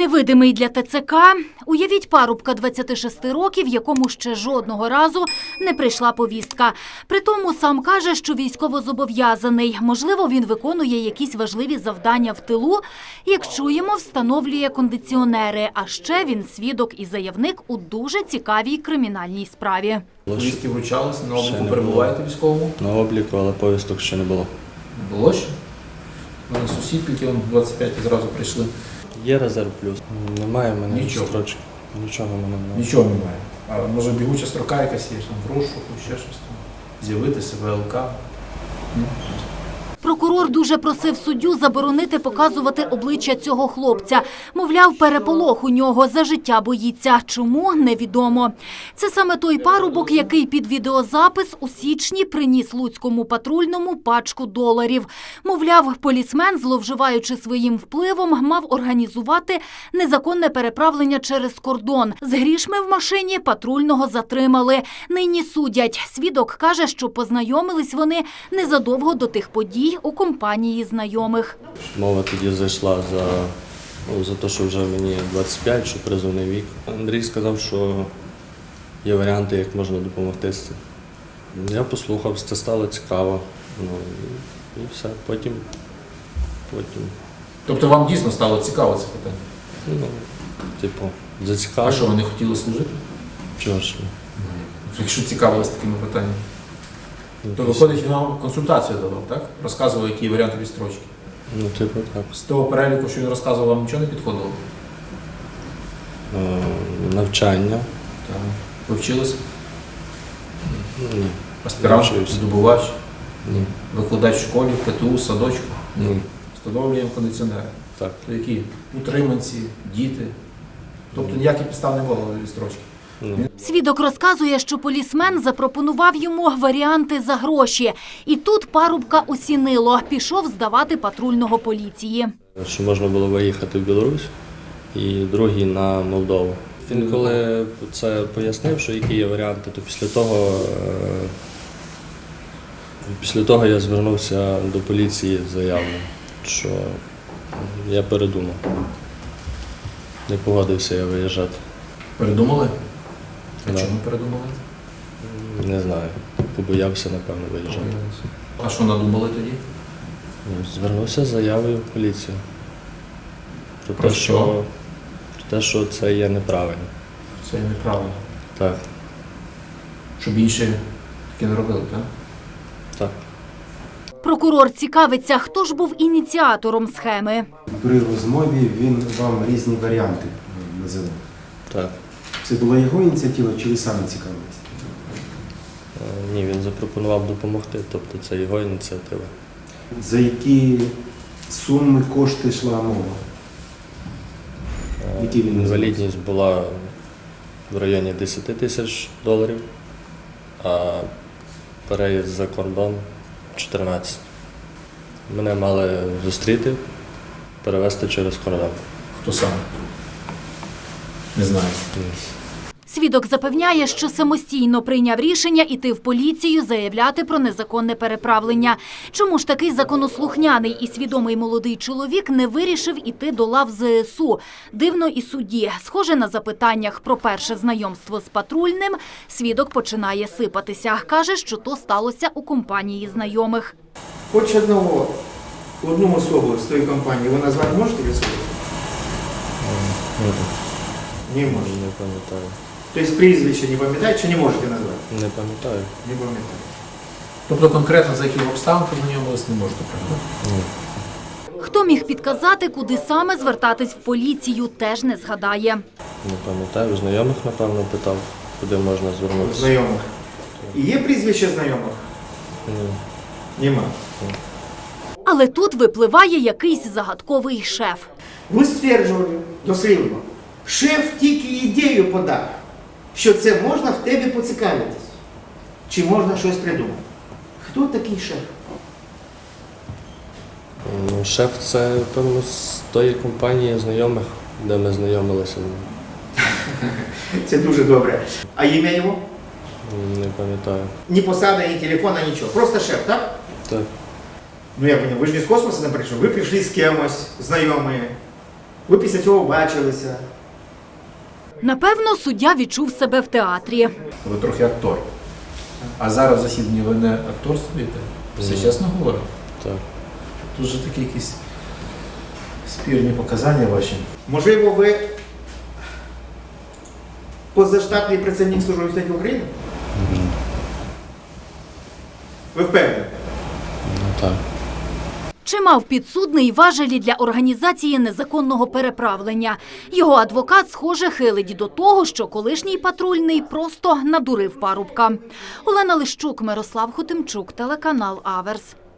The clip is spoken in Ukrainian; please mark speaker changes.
Speaker 1: Невидимий для ТЦК. Уявіть парубка 26 років, якому ще жодного разу не прийшла повістка. Притому сам каже, що військовозобов'язаний. Можливо, він виконує якісь важливі завдання в тилу. Як чуємо, встановлює кондиціонери. А ще він свідок і заявник у дуже цікавій кримінальній справі.
Speaker 2: Повістки вручалися, на обліку перебуваєте військовому?
Speaker 3: На обліку, але повісток ще не було.
Speaker 2: Не було ще? У мене сусід, які 25 зразу прийшли.
Speaker 3: Є резерв плюс. Немає в мене
Speaker 2: Нічого.
Speaker 3: строчки. Нічого в мене немає.
Speaker 2: Нічого немає. А може бігуча строка якась є, там, в розшуку, ще щось там. З'явитися, ВЛК.
Speaker 1: Прокурор дуже просив суддю заборонити показувати обличчя цього хлопця. Мовляв, переполох у нього, за життя боїться. Чому – невідомо. Це саме той парубок, який під відеозапис у січні приніс луцькому патрульному пачку доларів. Мовляв, полісмен, зловживаючи своїм впливом, мав організувати незаконне переправлення через кордон. З грішми в машині патрульного затримали. Нині судять. Свідок каже, що познайомились вони незадовго до тих подій у компанії знайомих.
Speaker 3: Мова тоді зайшла за те, що вже мені 25, що призовний вік. Андрій сказав, що є варіанти, як можна допомогти з цим. Я послухав, це стало цікаво. І все. Потім.
Speaker 2: Тобто вам дійсно стало цікаво це питання?
Speaker 3: Зацікавило.
Speaker 2: А що, ви не хотіли служити?
Speaker 3: Чого ж?
Speaker 2: Якщо цікавились такими питаннями. То виходить, він вам консультацію давав, так? Розказував, які варіанти відстрочки.
Speaker 3: Так.
Speaker 2: З того переліку, що він розказував, вам нічого не підходило?
Speaker 3: Навчання.
Speaker 2: Так. Ви вчилися?
Speaker 3: Ні.
Speaker 2: Аспірант, здобувач?
Speaker 3: Ні.
Speaker 2: Викладач в школі, ПТУ, садочку?
Speaker 3: Ні.
Speaker 2: Встановлюємо кондиціонери.
Speaker 3: Так.
Speaker 2: То які? Утриманці, діти. Тобто ніяких підстав не було відстрочки.
Speaker 1: Свідок розказує, що полісмен запропонував йому варіанти за гроші. І тут парубка осінило. Пішов здавати патрульного поліції.
Speaker 3: Що можна було виїхати в Білорусь і другий на Молдову. Він коли це пояснив, що які є варіанти, то після того я звернувся до поліції з заявою, що я передумав. Не погодився я виїжджати.
Speaker 2: Передумали? А
Speaker 3: Да.
Speaker 2: чому передумали?
Speaker 3: Не знаю. Побоявся, напевно, виїжджати.
Speaker 2: А що надумали тоді?
Speaker 3: Звернувся з заявою в поліцію.
Speaker 2: Про що?
Speaker 3: Про те, що це є неправильно.
Speaker 2: Це неправильно.
Speaker 3: Так.
Speaker 2: Щоб інші таке не робили, так?
Speaker 3: Так.
Speaker 1: Прокурор цікавиться, хто ж був ініціатором схеми.
Speaker 4: При розмові він вам різні варіанти називав.
Speaker 3: Так.
Speaker 4: Це була його ініціатива чи ви самі цікавились?
Speaker 3: Ні, він запропонував допомогти, тобто це його ініціатива.
Speaker 4: За які суми, кошти йшла мова? Які він називав?
Speaker 3: Інвалідність була в районі 10 тисяч доларів, а переїзд за кордон 14. Мене мали зустріти, перевезти через кордон.
Speaker 2: Хто саме? Не знаю.
Speaker 1: Свідок запевняє, що самостійно прийняв рішення іти в поліцію, заявляти про незаконне переправлення. Чому ж такий законослухняний і свідомий молодий чоловік не вирішив іти до лав ЗСУ? Дивно і судді. Схоже, на запитаннях про перше знайомство з патрульним, свідок починає сипатися. Каже, що то сталося у компанії знайомих.
Speaker 5: Хоч одну особу з тої компанії ви назвати можете від себе? Не можете.
Speaker 3: Не пам'ятаю.
Speaker 5: Тобто прізвище не пам'ятаєте чи не можете назвати?
Speaker 3: Не пам'ятаю.
Speaker 5: Не пам'ятаю.
Speaker 2: Тобто конкретно за яких обставин познайомились не можете, правда?
Speaker 3: Ні.
Speaker 1: Хто міг підказати, куди саме звертатись в поліцію, теж не згадає.
Speaker 3: Не пам'ятаю. Знайомих, напевно, питав, куди можна звернутися.
Speaker 5: Знайомих. І є прізвище знайомих?
Speaker 3: Ні.
Speaker 5: Нема.
Speaker 1: Але тут випливає якийсь загадковий шеф.
Speaker 5: Ви стверджували дослівно, шеф тільки ідею подав, що це можна в тебе поцікавитись. Чи можна щось придумати? Хто такий шеф?
Speaker 3: Шеф – це, певно, з тої компанії знайомих, де ми знайомилися.
Speaker 5: Це дуже добре. А ім'я його?
Speaker 3: Не пам'ятаю.
Speaker 5: Ні посада, ні телефона, нічого. Просто шеф, так?
Speaker 3: Так.
Speaker 5: Ну я понял, вы же не с космоса там пришли, вы пришли с кем-то, знакомые. Ви після цього бачилися.
Speaker 1: Напевно, суддя відчув себе в театрі.
Speaker 2: Ви трохи актор. А зараз в засіданні ви не актор стоїте? Все чесно говорите?
Speaker 3: Так.
Speaker 2: Тут же такі якісь спірні показання ваші.
Speaker 5: Можливо, ви позаштатний працівник Служби безпеки України? Ви впевнені?
Speaker 3: Ну так.
Speaker 1: Чи мав підсудний важелі для організації незаконного переправлення? Його адвокат, схоже, хилить до того, що колишній патрульний просто надурив парубка. Олена Лищук, Мирослав Хотимчук, телеканал Аверс.